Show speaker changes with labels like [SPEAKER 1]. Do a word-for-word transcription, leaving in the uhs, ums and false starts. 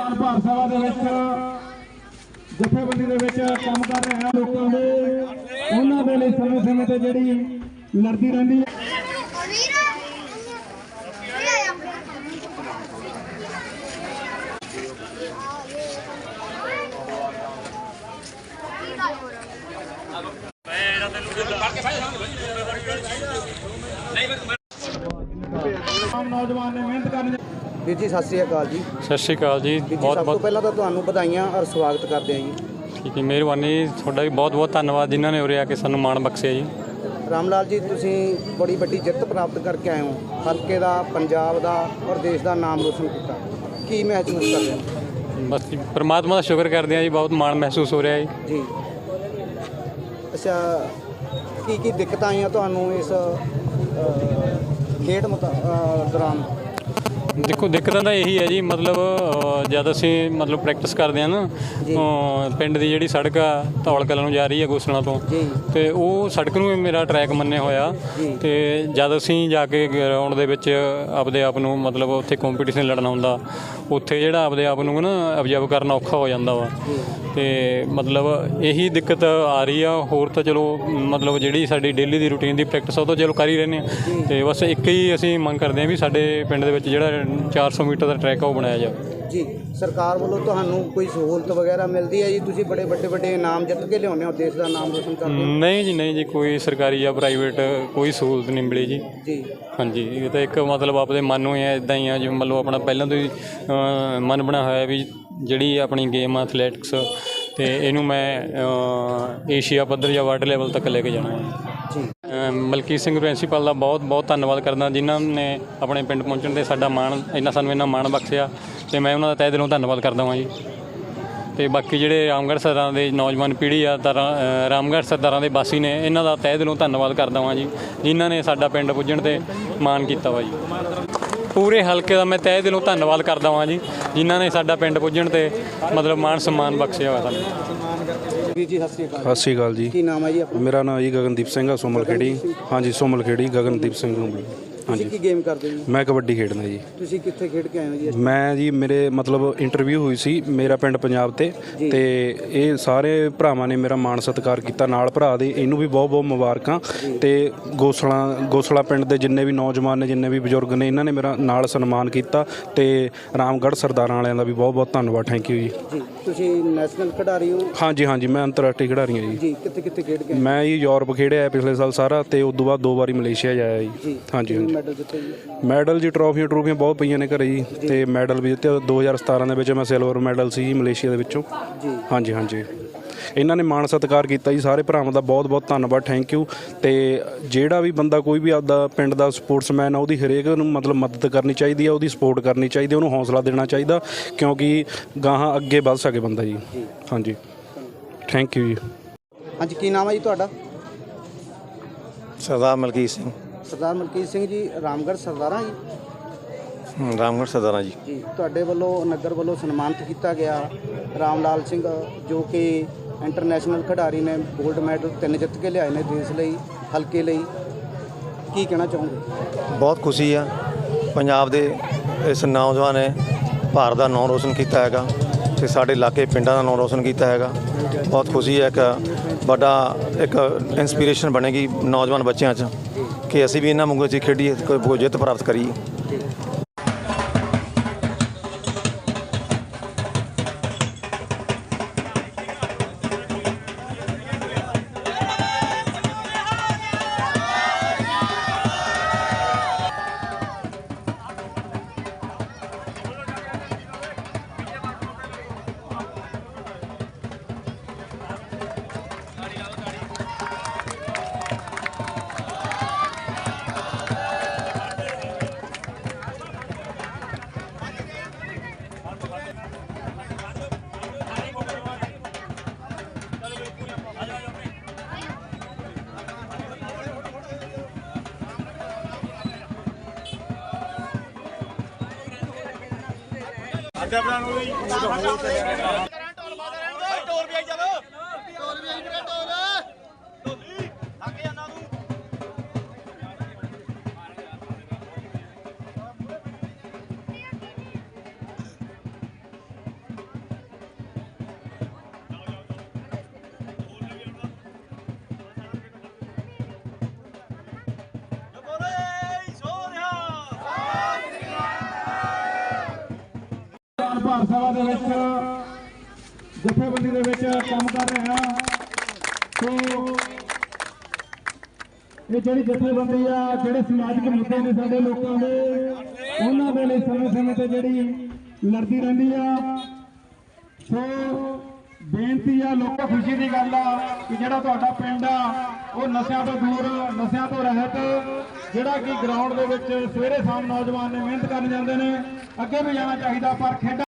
[SPEAKER 1] ਨੌਜਵਾਨ ਭਾਰਤ ਸਭਾ ਦੇ ਵਿੱਚ ਜਥੇਬੰਦੀ ਦੇ ਵਿੱਚ ਕੰਮ ਕਰ ਰਹੇ ਹਨ ਲੋਕਾਂ ਦੇ ਉਹਨਾਂ ਦੇ ਲਈ ਸਮੇਂ ਸਮੇਂ ਤੇ ਜਿਹੜੀ ਲੜਦੀ ਰਹਿੰਦੀ ਹੈ। नौजवान ने मेहनत करनी।
[SPEAKER 2] ਵੀਰ ਜੀ ਸਤਿ ਸ਼੍ਰੀ ਅਕਾਲ ਜੀ।
[SPEAKER 3] ਸਤਿ ਸ਼੍ਰੀ ਅਕਾਲ ਜੀ।
[SPEAKER 2] ਬਹੁਤ ਬਹੁਤ ਪਹਿਲਾਂ ਤਾਂ ਤੁਹਾਨੂੰ ਵਧਾਈਆਂ ਔਰ ਸਵਾਗਤ ਕਰਦੇ ਹਾਂ ਜੀ।
[SPEAKER 3] ਠੀਕ ਹੈ, ਮਿਹਰਬਾਨੀ ਜੀ, ਤੁਹਾਡਾ ਵੀ ਬਹੁਤ ਬਹੁਤ ਧੰਨਵਾਦ ਜਿਨ੍ਹਾਂ ਨੇ ਉਰੇ ਆ ਕੇ ਸਾਨੂੰ ਮਾਣ ਬਖਸ਼ਿਆ ਜੀ।
[SPEAKER 2] ਰਾਮ ਲਾਲ ਜੀ, ਤੁਸੀਂ ਬੜੀ ਵੱਡੀ ਜਿੱਤ ਪ੍ਰਾਪਤ ਕਰਕੇ ਆਏ ਹੋ, ਹਲਕੇ ਦਾ, ਪੰਜਾਬ ਦਾ ਔਰ ਦੇਸ਼ ਦਾ ਨਾਮ ਰੋਸ਼ਨ ਕੀਤਾ, ਕੀ ਮਹਿਸੂਸ ਕਰਦੇ ਹੋ?
[SPEAKER 3] ਬਸ ਜੀ, ਪਰਮਾਤਮਾ ਦਾ ਸ਼ੁਕਰ ਕਰਦੇ ਹਾਂ ਜੀ, ਬਹੁਤ ਮਾਣ ਮਹਿਸੂਸ ਹੋ ਰਿਹਾ ਜੀ।
[SPEAKER 2] ਜੀ ਅੱਛਾ, ਕੀ ਕੀ ਦਿੱਕਤਾਂ ਆਈਆਂ ਤੁਹਾਨੂੰ ਇਸ ਖੇਡ ਮੁਤਾ ਦੌਰਾਨ?
[SPEAKER 3] ਦੇਖੋ, ਦਿੱਕਤਾਂ ਤਾਂ ਇਹੀ ਹੈ ਜੀ, ਮਤਲਬ ਜਦ ਅਸੀਂ ਮਤਲਬ ਪ੍ਰੈਕਟਿਸ ਕਰਦੇ ਹਾਂ ਨਾ, ਪਿੰਡ ਦੀ ਜਿਹੜੀ ਸੜਕ ਆ ਧੌਲ ਕਲਾਂ ਨੂੰ ਜਾ ਰਹੀ ਹੈ ਗੋਸਲਾਂ ਤੋਂ, ਅਤੇ ਉਹ ਸੜਕ ਨੂੰ ਮੇਰਾ ਟਰੈਕ ਮੰਨਿਆ ਹੋਇਆ, ਅਤੇ ਜਦ ਅਸੀਂ ਜਾ ਕੇ ਗਰਾਊਂਡ ਦੇ ਵਿੱਚ ਆਪਦੇ ਆਪ ਨੂੰ ਮਤਲਬ ਉੱਥੇ ਕੰਪੀਟੀਸ਼ਨ ਲੜਨਾ ਹੁੰਦਾ, ਉੱਥੇ ਜਿਹੜਾ ਆਪਦੇ ਆਪ ਨੂੰ ਨਾ ਅਬਜ਼ਰਵ ਕਰਨਾ ਔਖਾ ਹੋ ਜਾਂਦਾ ਵਾ, ਅਤੇ ਮਤਲਬ ਇਹੀ ਦਿੱਕਤ ਆ ਰਹੀ ਆ। ਹੋਰ ਤਾਂ ਚਲੋ ਮਤਲਬ ਜਿਹੜੀ ਸਾਡੀ ਡੇਲੀ ਦੀ ਰੂਟੀਨ ਦੀ ਪ੍ਰੈਕਟਿਸ ਉਹ ਤਾਂ ਚਲੋ ਕਰ ਹੀ ਰਹਿੰਦੇ ਹਾਂ, ਅਤੇ ਬਸ ਇੱਕ ਹੀ ਅਸੀਂ ਮੰਗ ਕਰਦੇ ਹਾਂ ਵੀ ਸਾਡੇ ਪਿੰਡ ਦੇ ਵਿੱਚ ਜਿਹੜਾ ਚਾਰ ਸੌ ਮੀਟਰ ਦਾ ਟਰੈਕ ਆ ਉਹ ਬਣਾਇਆ ਜਾਵੇ
[SPEAKER 2] ਜੀ। ਸਰਕਾਰ ਵੱਲੋਂ ਤੁਹਾਨੂੰ ਕੋਈ ਸਹੂਲਤ ਵਗੈਰਾ ਮਿਲਦੀ ਹੈ ਜੀ? ਤੁਸੀਂ ਬੜੇ ਵੱਡੇ ਵੱਡੇ ਇਨਾਮ ਜਿੱਤ ਕੇ ਲਿਆਉਂਦੇ ਹੋ, ਦੇਸ਼ ਦਾ ਨਾਮ ਰੋਸ਼ਨ ਕਰਦੇ ਹੋ?
[SPEAKER 3] ਨਹੀਂ ਜੀ, ਨਹੀਂ ਜੀ, ਕੋਈ ਸਰਕਾਰੀ ਜਾਂ ਪ੍ਰਾਈਵੇਟ ਕੋਈ ਸਹੂਲਤ ਨਹੀਂ ਮਿਲੀ ਜੀ।
[SPEAKER 2] ਜੀ
[SPEAKER 3] ਹਾਂਜੀ, ਇਹ ਤਾਂ ਇੱਕ ਮਤਲਬ ਆਪਦੇ ਮਨ ਨੂੰ ਹੀ ਹੈ, ਇੱਦਾਂ ਹੀ ਆ ਜਿਵੇਂ ਮਤਲਬ ਆਪਣਾ ਪਹਿਲਾਂ ਤੋਂ ਹੀ ਮਨ ਬਣਿਆ ਹੋਇਆ ਵੀ ਜਿਹੜੀ ਆਪਣੀ ਗੇਮ ਆ ਐਥਲੈਟਿਕਸ, ਅਤੇ ਇਹਨੂੰ ਮੈਂ ਏਸ਼ੀਆ ਪੱਧਰ ਜਾਂ ਵਰਲਡ ਲੈਵਲ ਤੱਕ ਲੈ ਕੇ ਜਾਣਾ ਹੈ ਜੀ। ਮਲਕੀਤ ਸਿੰਘ ਪ੍ਰਿੰਸੀਪਲ ਦਾ ਬਹੁਤ ਬਹੁਤ ਧੰਨਵਾਦ ਕਰਦਾ, ਜਿਨ੍ਹਾਂ ਨੇ ਆਪਣੇ ਪਿੰਡ ਪਹੁੰਚਣ 'ਤੇ ਸਾਡਾ ਮਾਣ ਇੰਨਾ ਸਾਨੂੰ ਇੰਨਾ ਮਾਣ ਬਖਸ਼ਿਆ, ਅਤੇ ਮੈਂ ਉਹਨਾਂ ਦਾ ਤਹਿ ਦਿਲੋਂ ਧੰਨਵਾਦ ਕਰਦਾ ਹਾਂ ਜੀ। ਅਤੇ ਬਾਕੀ ਜਿਹੜੇ ਰਾਮਗੜ੍ਹ ਸਰਦਾਰਾਂ ਦੇ ਨੌਜਵਾਨ ਪੀੜ੍ਹੀ ਆ, ਤਾਂ ਰਾਮਗੜ੍ਹ ਸਰਦਾਰਾਂ ਦੇ ਵਾਸੀ ਨੇ, ਇਹਨਾਂ ਦਾ ਤਹਿ ਦਿਲੋਂ ਧੰਨਵਾਦ ਕਰਦਾ ਹਾਂ ਜੀ, ਜਿਨ੍ਹਾਂ ਨੇ ਸਾਡਾ ਪਿੰਡ ਪੁੱਜਣ 'ਤੇ ਮਾਣ ਕੀਤਾ ਵਾ ਜੀ। ਪੂਰੇ ਹਲਕੇ ਦਾ ਮੈਂ ਤਹਿ ਦਿਲੋਂ ਧੰਨਵਾਦ ਕਰਦਾ ਹਾਂ ਜੀ, ਜਿਨ੍ਹਾਂ ਨੇ ਸਾਡਾ ਪਿੰਡ ਪੁੱਜਣ 'ਤੇ ਮਤਲਬ ਮਾਣ ਸਨਮਾਨ ਬਖਸ਼ਿਆ ਹੋਇਆ ਸਾਨੂੰ।
[SPEAKER 2] ਵੀਰ ਜੀ ਸਤਿ ਸ਼੍ਰੀ ਅਕਾਲ।
[SPEAKER 4] ਸਤਿ ਸ਼੍ਰੀ ਅਕਾਲ ਜੀ।
[SPEAKER 2] ਕੀ ਨਾਮ ਹੈ ਜੀ ਆਪਣਾ?
[SPEAKER 4] ਮੇਰਾ ਨਾਮ ਜੀ ਗਗਨਦੀਪ ਸਿੰਘ ਆ, ਸੋਮਲ ਖੇੜੀ। ਹਾਂਜੀ, ਸੋਮਲ ਖੇੜੀ, ਗਗਨਦੀਪ ਸਿੰਘ ਨੂੰ।
[SPEAKER 2] ਹਾਂਜੀ, ਕੀ ਗੇਮ ਕਰਦੇ ਜੀ?
[SPEAKER 4] ਮੈਂ ਕਬੱਡੀ ਖੇਡਦਾ ਜੀ।
[SPEAKER 2] ਤੁਸੀਂ ਕਿੱਥੇ ਖੇਡ ਕੇ ਆਏ ਹੋ ਜੀ?
[SPEAKER 4] ਮੈਂ ਜੀ, ਮੇਰੇ ਮਤਲਬ ਇੰਟਰਵਿਊ ਹੋਈ ਸੀ, ਮੇਰਾ ਪਿੰਡ ਪੰਜਾਬ ਤੇ ਤੇ ਇਹ ਸਾਰੇ ਭਰਾਵਾਂ ਨੇ ਮੇਰਾ ਮਾਣ ਸਤਿਕਾਰ ਕੀਤਾ, ਨਾਲ ਭਰਾ ਦੇ, ਇਹਨੂੰ ਵੀ ਬਹੁਤ ਬਹੁਤ ਮੁਬਾਰਕਾਂ। ਤੇ ਗੋਸਲਾ ਗੋਸਲਾ ਪਿੰਡ ਦੇ ਜਿੰਨੇ ਵੀ ਨੌਜਵਾਨ ਨੇ, ਜਿੰਨੇ ਵੀ ਬਜ਼ੁਰਗ ਨੇ, ਇਹਨਾਂ ਨੇ ਮੇਰਾ ਨਾਲ ਸਨਮਾਨ ਕੀਤਾ, ਤੇ ਰਾਮਗੜ੍ਹ ਸਰਦਾਰਾਂ ਵਾਲਿਆਂ ਦਾ ਵੀ ਬਹੁਤ ਬਹੁਤ ਧੰਨਵਾਦ। ਥੈਂਕ ਯੂ ਜੀ।
[SPEAKER 2] ਜੀ ਤੁਸੀਂ ਨੈਸ਼ਨਲ ਖਿਡਾਰੀ ਹੋ?
[SPEAKER 4] ਹਾਂਜੀ ਹਾਂਜੀ, ਮੈਂ ਅੰਤਰਰਾਸ਼ਟਰੀ ਖਿਡਾਰੀ ਹਾਂ ਜੀ।
[SPEAKER 2] ਜੀ ਕਿੱਥੇ ਕਿੱਥੇ ਖੇਡ ਕੇ? ਮੈਂ
[SPEAKER 4] ਜੀ ਯੂਰਪ ਖੇਡਿਆ ਪਿਛਲੇ ਸਾਲ ਸਾਰਾ, ਤੇ ਉਸ ਤੋਂ ਬਾਅਦ ਦੋ ਵਾਰੀ ਮਲੇਸ਼ੀਆ ਜਾਇਆ ਜੀ। ਹਾਂਜੀ ਹਾਂਜੀ।
[SPEAKER 2] ਮੈਡਲ ਜਿੱਤੇ ਜੀ?
[SPEAKER 4] ਮੈਡਲ ਜੀ, ਟਰੋਫੀਆਂ ਟਰੋਫੀਆਂ ਬਹੁਤ ਪਈਆਂ ਨੇ ਘਰੇ ਜੀ, ਤੇ ਮੈਡਲ ਵੀ ਜਿੱਤੇ। ਦੋ ਹਜ਼ਾਰ ਸਤਾਰਾਂ ਦੇ ਵਿੱਚ ਮੈਂ ਸਿਲਵਰ ਮੈਡਲ ਸੀ ਮਲੇਸ਼ੀਆ ਦੇ ਵਿੱਚੋਂ ਜੀ। ਹਾਂਜੀ ਹਾਂਜੀ, ਇਹਨਾਂ ਨੇ ਮਾਣ ਸਤਿਕਾਰ ਕੀਤਾ ਜੀ, ਸਾਰੇ ਭਰਾਵਾਂ ਦਾ ਬਹੁਤ ਬਹੁਤ ਧੰਨਵਾਦ। Thank you. ਤੇ ਜਿਹੜਾ ਵੀ ਬੰਦਾ ਕੋਈ ਵੀ ਆਪਦਾ ਪਿੰਡ ਦਾ ਸਪੋਰਟਸਮੈਨ ਆ, ਉਹਦੀ ਹਰੇਕ ਨੂੰ ਮਤਲਬ ਮਦਦ ਕਰਨੀ ਚਾਹੀਦੀ ਆ, ਉਹਦੀ ਸਪੋਰਟ ਕਰਨੀ ਚਾਹੀਦੀ, ਉਹਨੂੰ ਹੌਸਲਾ ਦੇਣਾ ਚਾਹੀਦਾ, ਕਿਉਂਕਿ ਗਾਹਾਂ ਅੱਗੇ ਵੱਧ ਸਕੇ ਬੰਦਾ ਜੀ। ਹਾਂਜੀ, ਥੈਂਕ ਯੂ ਜੀ।
[SPEAKER 2] ਹਾਂਜੀ, ਕੀ ਨਾਮ ਹੈ ਜੀ ਤੁਹਾਡਾ?
[SPEAKER 5] ਸਰਦਾਰ ਮਲਕੀਤ ਸਿੰਘ।
[SPEAKER 2] ਸਰਦਾਰ ਮਲਕੀਤ ਸਿੰਘ ਜੀ, ਰਾਮਗੜ੍ਹ ਸਰਦਾਰਾਂ ਜੀ?
[SPEAKER 5] ਰਾਮਗੜ੍ਹ ਸਰਦਾਰਾਂ ਜੀ।
[SPEAKER 2] ਜੀ, ਤੁਹਾਡੇ ਵੱਲੋਂ ਨਗਰ ਵੱਲੋਂ ਸਨਮਾਨਿਤ ਕੀਤਾ ਗਿਆ ਰਾਮ ਲਾਲ ਸਿੰਘ, ਜੋ ਕਿ ਇੰਟਰਨੈਸ਼ਨਲ ਖਿਡਾਰੀ ਨੇ, ਗੋਲਡ ਮੈਡਲ ਤਿੰਨ ਜਿੱਤ ਕੇ ਲਿਆਏ ਨੇ ਦੇਸ਼ ਲਈ, ਹਲਕੇ ਲਈ, ਕੀ ਕਹਿਣਾ ਚਾਹੋਗੇ?
[SPEAKER 5] ਬਹੁਤ ਖੁਸ਼ੀ ਆ, ਪੰਜਾਬ ਦੇ ਇਸ ਨੌਜਵਾਨ ਨੇ ਭਾਰਤ ਦਾ ਨਾਮ ਰੋਸ਼ਨ ਕੀਤਾ ਹੈਗਾ, ਅਤੇ ਸਾਡੇ ਇਲਾਕੇ ਪਿੰਡਾਂ ਦਾ ਨਾਮ ਰੋਸ਼ਨ ਕੀਤਾ ਹੈਗਾ। ਬਹੁਤ ਖੁਸ਼ੀ ਹੈ, ਇੱਕ ਵੱਡਾ ਇੱਕ ਇੰਸਪੀਰੇਸ਼ਨ ਬਣੇਗੀ ਨੌਜਵਾਨ ਬੱਚਿਆਂ 'ਚ ਕਿ ਅਸੀਂ ਵੀ ਇਹਨਾਂ ਵਾਂਗੂ ਅਸੀਂ ਖੇਡੀਏ, ਕੋਈ ਜਿੱਤ ਪ੍ਰਾਪਤ ਕਰੀਏ।
[SPEAKER 1] ਅੱਡਾ ਬਣਾ ਨੂੰ ਵੀ
[SPEAKER 6] ਟੋਰ ਵੀ ਆਈ ਚੱਲ ਟੋਰ ਵੀ ਆਈ ਵੀਰੇ ਟੋਰ ਢੋਲੀ ਥੱਕ ਜਾਂਦਾ ਤੂੰ।
[SPEAKER 1] ਭਾਰਤ ਸਭਾ ਦੇ ਵਿੱਚ ਜਥੇਬੰਦੀ ਦੇ ਵਿੱਚ ਕੰਮ ਕਰ ਰਹੇ ਹਾਂ। ਸੋ ਇਹ ਜਿਹੜੀ ਜਥੇਬੰਦੀ ਆ, ਜਿਹੜੇ ਸਮਾਜਿਕ ਮੁੱਦੇ ਨੇ ਸਾਡੇ ਲੋਕਾਂ ਦੇ, ਉਹਨਾਂ ਦੇ ਲਈ ਸਮੇਂ ਸਮੇਂ ਤੇ ਜਿਹੜੀ ਲੜਦੀ ਰਹਿੰਦੀ ਆ। ਸੋ ਬੇਨਤੀ ਆ, ਲੋਕਾਂ ਖੁਸ਼ੀ ਦੀ ਗੱਲ ਆ ਕਿ ਜਿਹੜਾ ਤੁਹਾਡਾ ਪਿੰਡ ਆ ਉਹ ਨਸ਼ਿਆਂ ਤੋਂ ਦੂਰ, ਨਸ਼ਿਆਂ ਤੋਂ ਰਹਿਤ, ਜਿਹੜਾ ਕਿ ਗਰਾਊਂਡ ਦੇ ਵਿੱਚ ਸਵੇਰੇ ਸ਼ਾਮ ਨੌਜਵਾਨ ਨੇ ਮਿਹਨਤ ਕਰਨ ਜਾਂਦੇ ਨੇ, ਅੱਗੇ ਵੀ ਜਾਣਾ ਚਾਹੀਦਾ, ਪਰ ਖੇਡਾਂ